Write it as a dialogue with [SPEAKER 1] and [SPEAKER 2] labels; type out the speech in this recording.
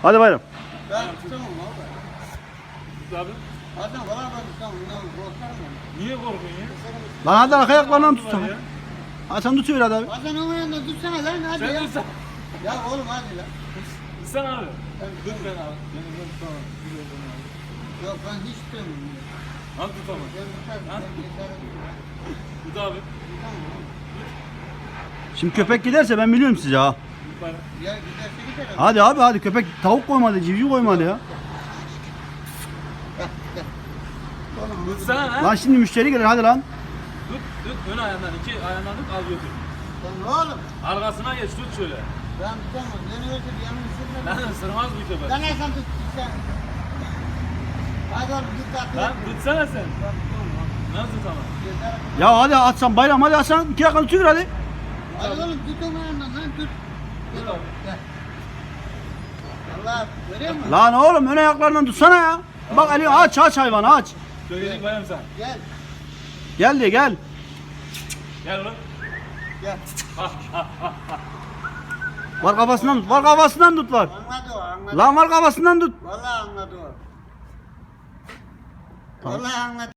[SPEAKER 1] Hadi bayram.
[SPEAKER 2] Ben tutamam abi.
[SPEAKER 3] Tut abi.
[SPEAKER 2] Adam valla ben tutamam. Korkarım ben.
[SPEAKER 3] Niye korkuyorsun ya?
[SPEAKER 1] Lan hadi arka ayaklarından tut sana.
[SPEAKER 3] Ya.
[SPEAKER 1] Ha sen tutuyor hadi abi.
[SPEAKER 2] Hasan onun yanında tutsana lan hadi
[SPEAKER 3] Sen
[SPEAKER 2] ya.
[SPEAKER 3] tutsan.
[SPEAKER 2] Ya oğlum hadi lan.
[SPEAKER 3] Tutsan abi.
[SPEAKER 2] Ben
[SPEAKER 3] Tut ben abi. Ben tutamam.
[SPEAKER 2] Yok ben hiç tutamam.
[SPEAKER 3] Al tutamam.
[SPEAKER 2] Ben tutarım.
[SPEAKER 3] Ha?
[SPEAKER 2] Ben yeterim.
[SPEAKER 3] Tut abi.
[SPEAKER 2] Tutamam oğlum.
[SPEAKER 1] Şimdi köpek giderse ben biliyorum size ha.
[SPEAKER 3] Yukarı.
[SPEAKER 2] Ya giderse gider abi.
[SPEAKER 1] Hadi abi hadi köpek tavuk koymadı, civciv koymadı ya.
[SPEAKER 2] Oğlum
[SPEAKER 3] Tutsana ha.
[SPEAKER 1] Lan şimdi müşteri gelir hadi lan.
[SPEAKER 3] Tut. Ön ayağından. İki ayağından tut. Al götür.
[SPEAKER 2] Lan oğlum.
[SPEAKER 3] Arkasına geç. Tut şöyle.
[SPEAKER 2] Ben tutamam. Beni öyle bir yanımı sürme.
[SPEAKER 3] Lan ısırmaz bu köpek.
[SPEAKER 2] Lan sen tut sen. Hadi oğlum git atla.
[SPEAKER 3] Lan tutsana sen.
[SPEAKER 2] Ben tutamam abi.
[SPEAKER 3] Nasıl tutamam?
[SPEAKER 2] Yeter.
[SPEAKER 1] Ya hadi atsan bayram hadi atsan 2 dakika tutuyor hadi.
[SPEAKER 2] Hadi oğlum tut onu yandan lan tut. Gel oğlum gel. Allah görüyor musun?
[SPEAKER 1] Lan oğlum ön ayaklarından tutsana ya. Bak Ali aç hayvanı aç.
[SPEAKER 3] Söyleyecek bayım sen.
[SPEAKER 2] Gel.
[SPEAKER 1] Gel diye gel.
[SPEAKER 3] Gel oğlum.
[SPEAKER 2] Gel.
[SPEAKER 1] Var kafasından tut. Var kafasından tut var.
[SPEAKER 2] Anladı o anladı.
[SPEAKER 1] Lan var kafasından tut.
[SPEAKER 2] Vallahi anladı o. Vallahi anladı.